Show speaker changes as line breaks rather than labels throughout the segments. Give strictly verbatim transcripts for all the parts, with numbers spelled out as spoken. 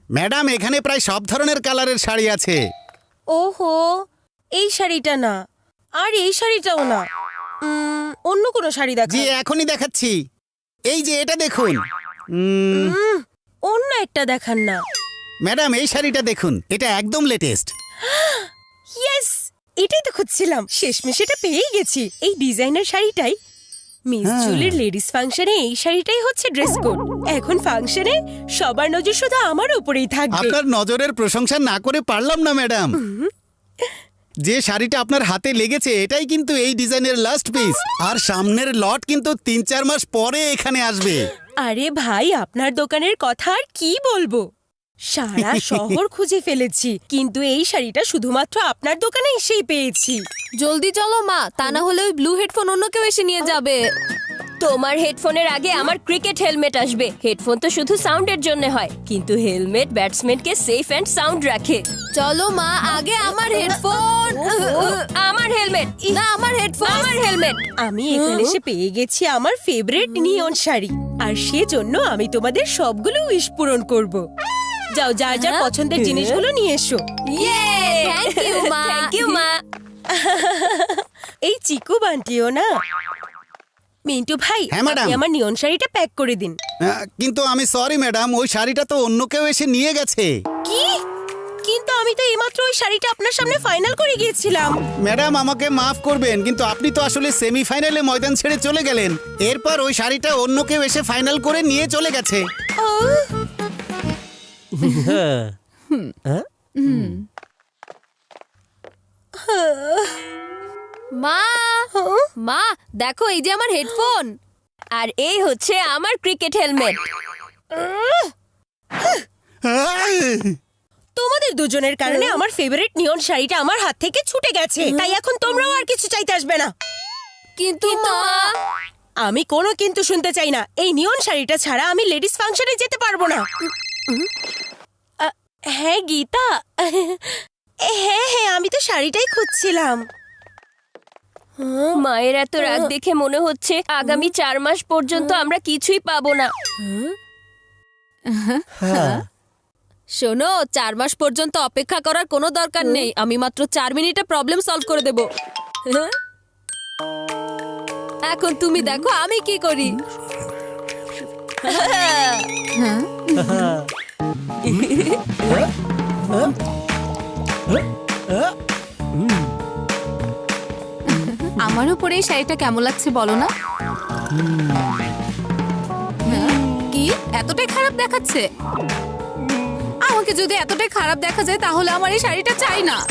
Madam এখানে প্রায় সব ধরনের কালারের শাড়ি আছে।
ওহো, এই শাড়িটা না, আর এই শাড়িটাও না, উম, অন্য কোনো শাড়ি দেখান।
জি এখনই দেখাচ্ছি। এই যে এটা দেখুন। উম,
উম, অন্য একটা দেখান না।
ম্যাডাম এই শাড়িটা দেখুন, এটা একদম লেটেস্ট।
ইয়েস, এটাই তো খুঁজছিলাম, শেষমেশ এটা পেয়েই গেছি। এই ডিজাইনার শাড়িটাই মিস
হ্যাঁ।
জুলির লেডিস ফাংশনে এই শাড়িটাই হচ্ছে ড্রেস কোড। এখন ফাংশনে সবার নজর শুধু আমার উপরেই থাকবে।
আপনার নজরের প্রশংসা না করে পারলাম না ম্যাডাম। যে শাড়িটা আপনার হাতে লেগেছে এটাই কিন্তু এই ডিজাইনের লাস্ট পিস, আর সামনের লট কিন্তু তিন চার মাস পরে এখানে আসবে।
আরে ভাই, আপনার দোকানের কথা আর কি বলবো, সারা শহর খুঁজে ফেলেছি, কিন্তু এই শাড়িটা শুধুমাত্র আপনার দোকানে এসেই পেয়েছি।
জলদি চলো মা, তা না হলে ওই ব্লু হেডফোন অন্য কেউ এসে নিয়ে যাবে।
তোমার হেডফোনের আগে আমার ক্রিকেট হেলমেট আসবে। হেডফোন তো শুধু সাউন্ডের জন্য হয়, কিন্তু হেলমেট ব্যাটসম্যানকে সেফ অ্যান্ড সাউন্ড রাখে।
চলো মা, আগে আমার হেডফোন।
আমার হেলমেট
না, আমার হেডফোন।
আমার হেলমেট।
আমি এখানে এসে পেয়ে গেছি আমার ফেভারিট নিয়ন শাড়ি, আর সেজন্য আমি তোমাদের সবগুলো উইশ পূরণ করব। যাও, যার যার পছন্দের জিনিসগুলো নিয়ে এসো।
ইয়ে, থ্যাংক ইউ মা।
থ্যাংক ইউ মা।
এই চিকু বান্টিও না। মিন্টু ভাই,
হ্যাঁ, ম্যাডাম।
আপনি আমার নিয়ন শাড়িটা প্যাক করে দিন।
আহ, কিন্তু আমি সরি ম্যাডাম, ওই শাড়িটা তো অন্য কেউ এসে নিয়ে গেছে।
কি? কিন্তু আমি তো এইমাত্র ওই শাড়িটা আপনার সামনে ফাইনাল করে গিয়েছিলাম।
ম্যাডাম আমাকে মাফ করবেন, কিন্তু আপনি তো আসলে সেমিফাইনালে ময়দান ছেড়ে চলে গেলেন। এরপর ওই শাড়িটা অন্য কেউ এসে ফাইনাল করে নিয়ে চলে গেছে।
মা, মা দেখো, এই যে আমার হেডফোন।
আর এই হচ্ছে আমার ক্রিকেট হেলমেট।
তোমাদের দুজনের কারণে আমার ফেভারিট নিয়ন শাড়িটা আমার হাত থেকে ছুটে গেছে, তাই এখন তোমরাও আর কিছু চাইতে আসবে না।
কিন্তু মা,
আমি কোনো কিন্তু শুনতে চাই না। এই নিয়ন শাড়িটা ছাড়া আমি লেডিস ফাংশনে যেতে পারবো না। আ, হ্যাঁ গীতা, হ্যাঁ হ্যাঁ, আমি তো শাড়িটাই খুঁজছিলাম।
মায়ের এত রাগ দেখে মনে হচ্ছে আগামী চার মাস পর্যন্ত আমরা কিছুই পাবো না।
শোনো, চার মাস পর্যন্ত অপেক্ষা করার কোনো দরকার নেই। আমি মাত্র চার মিনিটে প্রবলেম সলভ করে দেব। এখন তুমি দেখো আমি কি করি।
আমার উপরে এই শাড়িটা কেমন লাগছে বলো না? হ্যাঁ? কি এতটাই খারাপ দেখাচ্ছে? আমাকে যদি এতটাই খারাপ দেখা যায় তাহলে আমার এই শাড়িটা চাই না।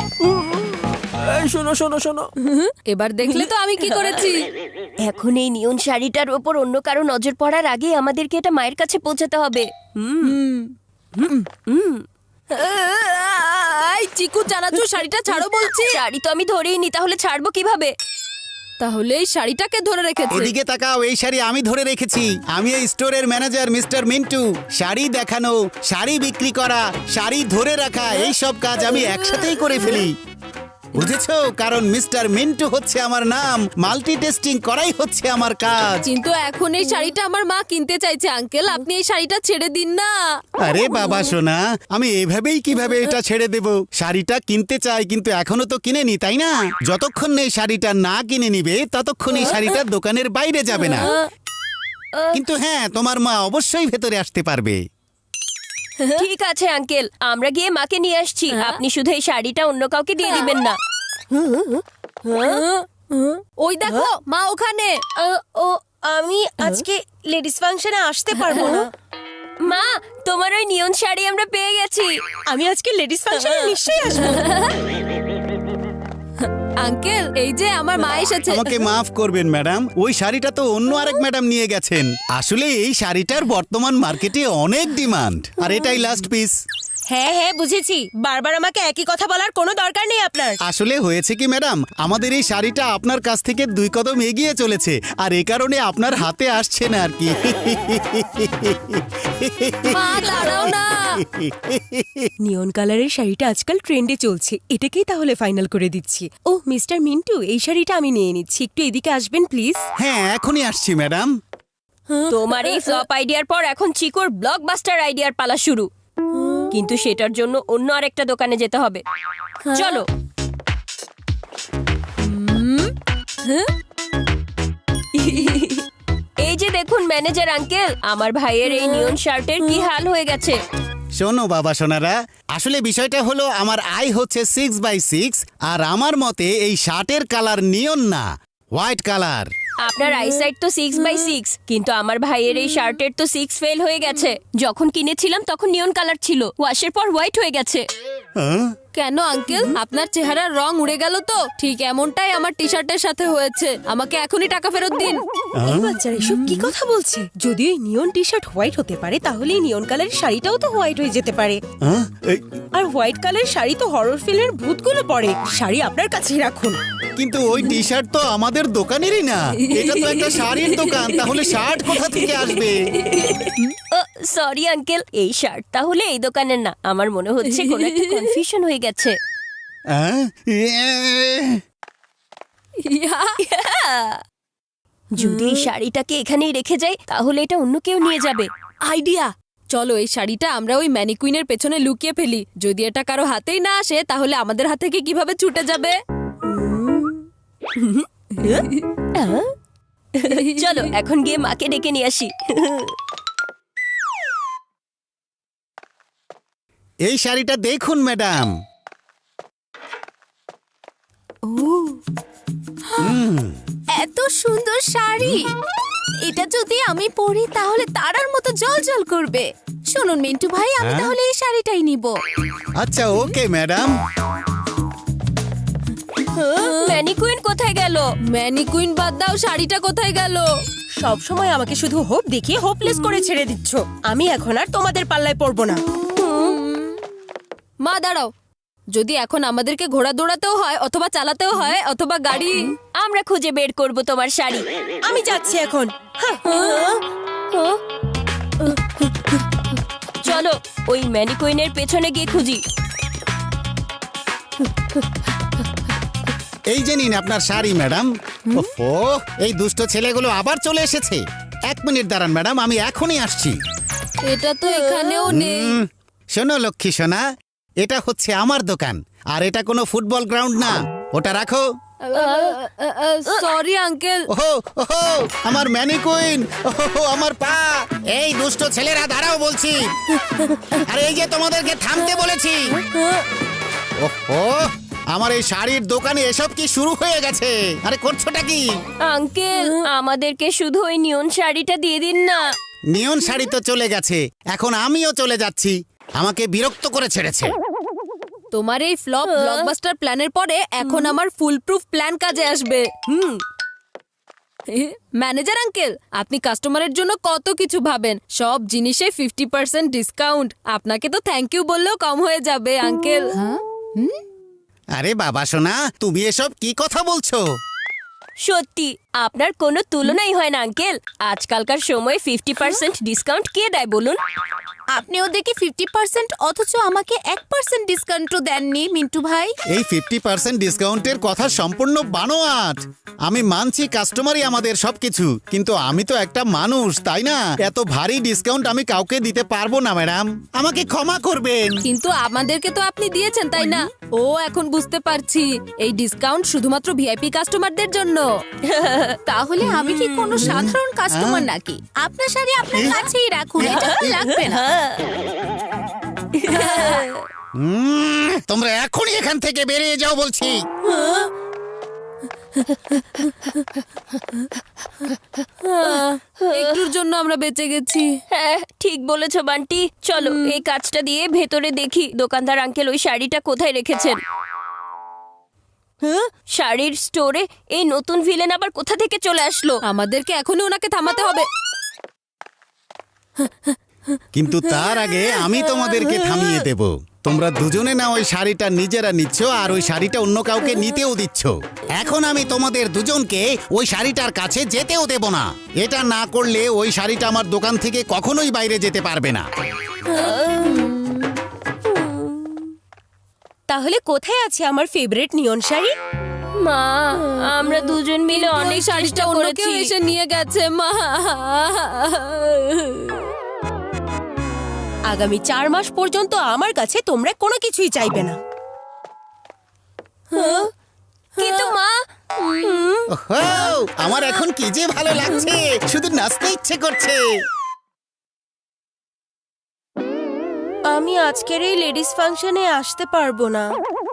শোনো শোনো শোনো, এবার দেখলে তো আমি কি করেছি।
এখন এই নিয়ন শাড়িটার ওপর অন্য কারো নজর পড়ার আগে আমাদেরকে এটা মায়ের কাছে পৌঁছাতে হবে।
এই চিকু জানাচ্ছু, শাড়িটা ছাড়ো বলছি।
শাড়ি তো আমি ধরেই নি, তাহলে ছাড়বো কিভাবে?
তাহলে এই শাড়িটাকে ধরে রেখেছে।
এদিকে তাকাও, এই শাড়ি আমি ধরে রেখেছি। আমি এই স্টোরের ম্যানেজার মিস্টার মিন্টু। শাড়ি দেখানো, শাড়ি বিক্রি করা, শাড়ি ধরে রাখা, এই সব কাজ আমি একসাথেই করে ফেলি, বুঝেছো? কারণ মিস্টার মিন্টু হচ্ছে আমার নাম, মাল্টি টেস্টিং করাই হচ্ছে আমার কাজ।
কিন্তু এখন এই শাড়িটা আমার মা কিনতে চাইছে। আঙ্কেল, আপনি এই শাড়িটা ছেড়ে দিন না।
আরে বাবা সোনা, আমি এভাবেই কিভাবে এটা ছেড়ে দেব? শাড়িটা কিনতে চাই, কিন্তু এখনো তো কিনেনি, তাই না? যতক্ষণ এই শাড়িটা না কিনে নিবে ততক্ষণ এই শাড়িটা দোকানের বাইরে যাবে না। কিন্তু হ্যাঁ, তোমার মা অবশ্যই ভেতরে আসতে পারবে।
ঠিক আছে আঙ্কেল, আমরা গিয়ে মাকে নিয়ে আসছি। আপনি শুধু এই শাড়িটা অন্য কাউকে দিয়ে দিবেন না।
ওই দেখো মা ওখানে।
আ, ও, আমি আজকে লেডিস ফাংশনে আসতে পারবো না।
মা, তোমার ওই নিয়ন শাড়ি আমরা পেয়ে গেছি।
আমি আজকে লেডিস ফাংশনে নিশ্চয়ই আসবো।
আঙ্কেল, এই যে আমার মা এসেছে।
আমাকে মাফ করবেন ম্যাডাম, ওই শাড়িটা তো অন্য আরেক ম্যাডাম নিয়ে গেছেন। আসলে এই শাড়িটার বর্তমান মার্কেটে অনেক ডিমান্ড, আর এটাই লাস্ট পিস।
হ্যাঁ হ্যাঁ, বুঝেছি। বারবার আমাকে একই কথা বলার কোনো দরকার নেই আপনার।
আসলে হয়েছে কি ম্যাডাম, আমাদের এই শাড়িটা আপনার কাছ থেকে দুই কদম এগিয়ে চলেছে, আর এই কারণে আপনার হাতে আসছে না আর কি।
মা দাঁড়াও না।
নিয়ন কালারের শাড়িটা আজকাল ট্রেন্ডে চলছে, এটাকেই তাহলে ফাইনাল করে দিচ্ছি। ও মিস্টার মিন্টু, এই শাড়িটা আমি নিয়ে নিচ্ছি, একটু এদিকে আসবেন প্লিজ।
হ্যাঁ, এখনই আসছি ম্যাডাম।
তোমার এই ফ্লপ আইডিয়ার পর এখন চিকোর ব্লকবাস্টার আইডিয়ার পালা শুরু। কিন্তু সেটার জন্য অন্য আরেকটা দোকানে যেতে হবে। চলো। এই যে দেখুন ম্যানেজার আঙ্কেল, আমার ভাইয়ের এই নিয়ন শার্টের কি হাল হয়ে গেছে।
শোনো বাবা সোনারা, আসলে বিষয়টা হলো আমার আই হচ্ছে সিক্স বাই সিক্স, আর আমার মতে এই শার্টের কালার নিয়ন না, হোয়াইট কালার।
আপনার আইসাইট তো সিক্স বাই সিক্স, কিন্তু আমার ভাইয়ের এই শার্টের তো সিক্স ফেল হয়ে গেছে। যখন কিনেছিলাম তখন নিয়ন কালার ছিল, ওয়াশের পর হোয়াইট হয়ে গেছে।
কেন আঙ্কেল, আপনার চেহারার রং উড়ে গেল তো? ঠিক এমনটাই আমার টি শার্টের সাথে হয়েছে। আমাকে এখনই টাকা ফেরত দিন।
এই বাচ্চারা এসব কি কথা বলছে? যদি এই নিয়ন টি শার্ট হোয়াইট হতে পারে, তাহলে এই নিয়ন কালারের শাড়িটাও তো হোয়াইট হয়ে যেতে পারে।
হ্যাঁ? এই,
আর হোয়াইট কালারের শাড়ি তো হরর ফিল্মের ভূতগুলো পরে। শাড়ি আপনার কাছেই রাখুন।
কিন্তু ওই টি শার্ট তো আমাদের দোকানেরই না, এটা তো একটা শাড়ির দোকান, তাহলে শার্ট কোথা থেকে আসবে?
সরি আঙ্কেল, এই শার্ট তাহলে এই দোকানের না। আমার মনে হচ্ছে কোনো একটা কনফিউশন হয়ে গেছে।
হ্যাঁ?
যদি এই শাড়িটাকে এখানেই রেখে যাই, তাহলে এটা অন্য কেউ নিয়ে যাবে।
আইডিয়া, চলো এই শাড়িটা আমরা ওই ম্যানিকুইনের পেছনে লুকিয়ে ফেলি। যদি এটা কারো হাতেই না আসে, তাহলে আমাদের হাত থেকে কিভাবে ছুটে যাবে?
চলো এখন গিয়ে মাকে ডেকে নিয়ে আসি।
এই শাড়িটা দেখুন ম্যাডাম।
এত সুন্দর শাড়ি, এটা যদি আমি পরি তাহলে তারার মতো জলজল করবে। শুনুন মিন্টু ভাই, আমি
হ্যাঁ?
তাহলে এই শাড়িটাই নিব।
আচ্ছা ওকে ম্যাডাম।
ম্যানিকুইন কোথায় গেল?
ম্যানিকুইন বাদ দাও, শাড়িটা কোথায় গেল?
সব সময় আমাকে শুধু হোপ দেখিয়ে হোপলেস করে ছেড়ে দিচ্ছ। আমি এখন আর তোমাদের পাল্লায় পড়বো না।
মা দাঁড়াও, যদি এখন আমাদেরকে ঘোড়া দৌড়াতেও হয়, অথবা চালাতেও হয়, অথবা গাড়ি,
আমরা খুঁজে বের করব তোমার শাড়ি।
আমি যাচ্ছি এখন।
চলো ওই ম্যানিকুইনের পেছনে গিয়ে খুঁজি।
এই যে নিন আপনার শাড়ি ম্যাডাম। ওফো, এই দুষ্ট ছেলেগুলো আবার চলে এসেছে। এক মিনিট দাঁড়ান ম্যাডাম, আমি এখনই আসছি।
এটা তো এখানেও নেই।
হুম, শোনো লক্ষ্মী সোনা, এটা হচ্ছে আমার দোকান, আর এটা কোনো ফুটবল গ্রাউন্ড না। ওটা রাখো।
Sorry uncle.
ওহো ওহো, আমার ম্যানিকুইন, ওহো আমার পা। এই দুষ্ট ছেলেরা দাঁড়াও বলছি। আর এই যে তোমাদেরকে থামতে বলেছি। ওহো, আমার এই শাড়ির দোকানে এসব কি শুরু হয়ে গেছে? আরে করছোটা কি?
আঙ্কেল, আমাদেরকে শুধু ওই নিয়ন শাড়িটা দিয়ে দিন না।
নিয়ন শাড়ি তো চলে গেছে, এখন আমিও চলে যাচ্ছি। আমাকে বিরক্ত করে ছেড়েছে।
তোমার এই ফ্লপ ব্লকবাস্টার প্ল্যানের পরে এখন আমার ফুল প্রুফ প্ল্যান কাজে আসবে। হুম, ম্যানেজার আঙ্কেল, আপনি কাস্টমারের জন্য কত কিছু ভাবেন। সব জিনিসে ফিফটি পার্সেন্ট ডিসকাউন্ট। আপনাকে তো থ্যাংক ইউ বললেও কম হয়ে যাবে আঙ্কেল।
আরে বাবা সোনা, তুমি এসব কি কথা বলছো?
সত্যি আপনার কোনো তুলনাই হয় না আঙ্কেল। আজকালকার সময় ফিফটি পার্সেন্ট ডিসকাউন্ট কে দেয় বলুন?
আপনি ওদেরকে ফিফটি পার্সেন্ট অথচ আমাকে এক পার্সেন্ট ডিসকাউন্টও দেননি মিন্টু ভাই।
এই ফিফটি পার্সেন্ট ডিসকাউন্টের কথা সম্পূর্ণ বানোয়াট। আমি মানছি কাস্টমারই আমাদের সবকিছু, কিন্তু আমি তো একটা মানুষ, তাই না? এত ভারী ডিসকাউন্ট আমি কাউকে দিতে পারবো না ম্যাডাম, আমাকে ক্ষমা করবেন।
কিন্তু আমাদেরকে তো আপনি দিয়েছেন, তাই না? ও এখন বুঝতে পারছি, এই ডিসকাউন্ট শুধুমাত্র ভিআইপি কাস্টমারদের জন্য।
তাহলে আমি কি কোনো সাধারণ কাস্টমার নাকি? আপনার শাড়ি আপনার কাছেই রাখুন, এটা তো লাগবে না।
উম, তোমরা এখনই এখান থেকে বেরিয়ে যাও বলছি।
একটুর জন্য আমরা বেঁচে গেছি।
হ্যাঁ ঠিক বলেছো বান্টি। চলো এই কাজটা দিয়ে ভেতরে দেখি দোকানদার আঙ্কেল ওই শাড়িটা কোথায় রেখেছেন। হ্যাঁ, শাড়ির স্টোরে এই নতুন ভিলেন আবার কোথা থেকে চলে আসলো?
আমাদেরকে এখনই ওনাকে থামাতে হবে।
কিন্তু তার আগে আমি তোমাদেরকে থামিয়ে দেব। তোমরা দুজনে না ওই শাড়িটা নিজেরা নিচ্ছ, আর ওই শাড়িটা অন্য কাউকে নিতেও দিচ্ছ। এখন আমি তোমাদের দুজনকে ওই শাড়িটার কাছে যেতেও দেব না। এটা না করলে ওই শাড়িটা আমার দোকান থেকে কখনোই বাইরে যেতে পারবে না।
তাহলে কোথায় আছে আমার ফেভারিট নিয়ন শাড়ি?
মা, আমরা দুজন মিলে অনেক
শাড়িটা
চেষ্টা
অন্য
করেছি।
কেউ এসে নিয়ে গেছে মা।
আগামী চার মাস পর্যন্ত আমার কাছে তোমরা কোনো কিছুই চাইবে না।
কিন্তু মা,
ওহো, আমার এখন কি যে ভালো লাগছে, শুধু নাচতে ইচ্ছে করছে।
আমি আজকের এই লেডিস ফাংশনে আসতে পারবো না।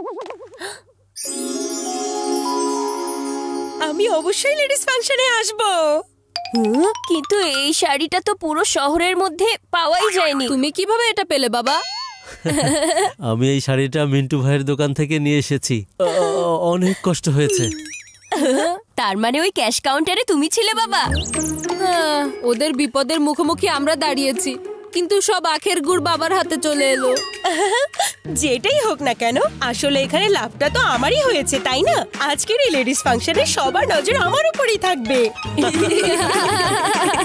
আমি অবশ্যই লেডিস ফাংশনে আসবো।
কিন্তু এই শাড়িটা তো পুরো শহরের মধ্যে পাওয়াই যায়নি।
তুমি কিভাবে এটা পেলে বাবা?
আমি এই শাড়িটা মিন্টু ভাইয়ের দোকান থেকে নিয়ে এসেছি। অ- অ- অনেক কষ্ট হয়েছে।
তার মানে ওই ক্যাশ কাউন্টারে তুমি ছিলে বাবা?
আহ, ওদের বিপদের মুখোমুখি আমরা দাঁড়িয়েছি, কিন্তু সব আখের গুড় বাবার হাতে চলে এলো।
যেটাই হোক না কেন, আসলে এখানে লাভটা তো আমারই হয়েছে, তাই না? আজকের এই লেডিস ফাংশনে সবার নজর আমার উপরেই থাকবে।